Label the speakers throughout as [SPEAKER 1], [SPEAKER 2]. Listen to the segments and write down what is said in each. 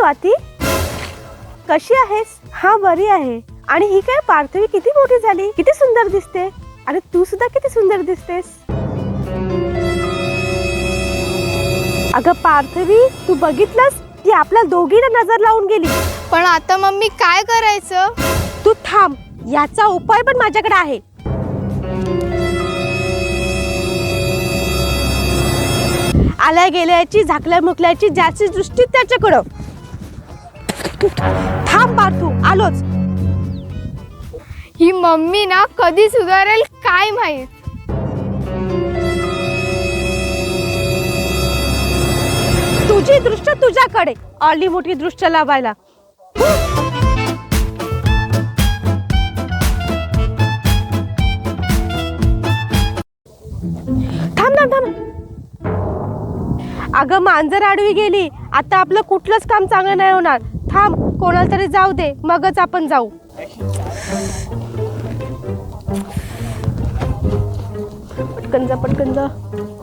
[SPEAKER 1] स्वाती, कशी आहेस? हा बरी आहे. आणि ही काय पार्थवी किती मोठी झाली, किती सुंदर दिसते. आणि तू सुद्धा किती सुंदर दिसतेस. अगं पार्थवी, तू बघितलंस ती आपल्या दोघींना नजर लावून गेली.
[SPEAKER 2] पण आता मम्मी काय करायचं?
[SPEAKER 1] तू थांब, याचा उपाय पण माझ्याकडे आहे. आल्या गेल्याची, झाकल्या मुकल्याची, ज्याची दृष्टी त्याच्याकडं. थांब पार्थू, आलोच.
[SPEAKER 2] ही मम्मी ना कधी सुधारेल काय माहित.
[SPEAKER 1] तुझी दृष्ट तुझ्याकडे, आली मोठी दृष्ट लावायला. थांब थांब थांब. अगं मांजर आडवी गेली, आता आपलं कुठलंच काम चांगलं नाही होणार. थांब, कोणाला तरी जाऊ दे, मगच आपण जाऊ. पटकन जा, पटकन जा.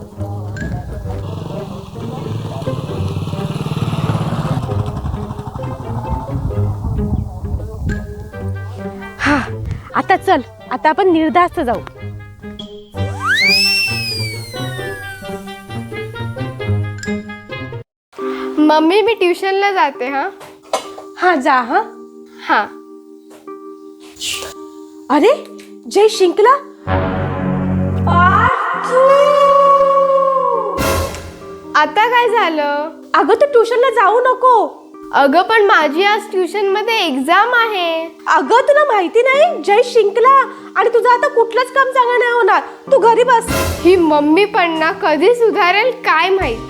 [SPEAKER 1] हा, आता चल, आता आपण निर्धास्त जाऊ.
[SPEAKER 2] मम्मी मी ट्युशनला जाते.
[SPEAKER 1] हा जा. हा
[SPEAKER 2] हा.
[SPEAKER 1] अरे जय शिंकला.
[SPEAKER 2] आता काय झालं?
[SPEAKER 1] अगं तू ट्युशनला जाऊ नको.
[SPEAKER 2] अगं पण माझी आज ट्युशन मध्ये एक्झाम आहे.
[SPEAKER 1] अगं तुला माहिती नाही, जय शिंकला आणि तुझं आता कुठलंच काम चांगलं नाही होणार. तू घरी बस.
[SPEAKER 2] ही मम्मी पण ना कधी सुधारेल काय माहित.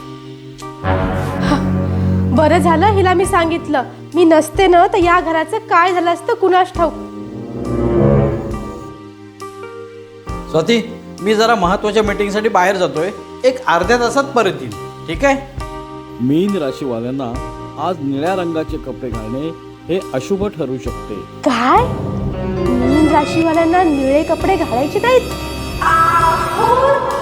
[SPEAKER 1] बरं झालं हिला मी सांगितलं. मी नसते ना तर या घराचं काय झालं असतं कुणास ठाऊक.
[SPEAKER 3] स्वाती, मी जरा महत्त्वाच्या मीटिंगसाठी बाहेर जातोय. एक अर्ध्या तासात परत येईल, ठीक आहे?
[SPEAKER 4] मीन राशीवाल्यांना आज निळ्या रंगाचे कपडे घालणे हे अशुभ ठरू शकते.
[SPEAKER 1] काय? मीन राशीवाल्यांना निळे कपडे घालायचे नाहीत?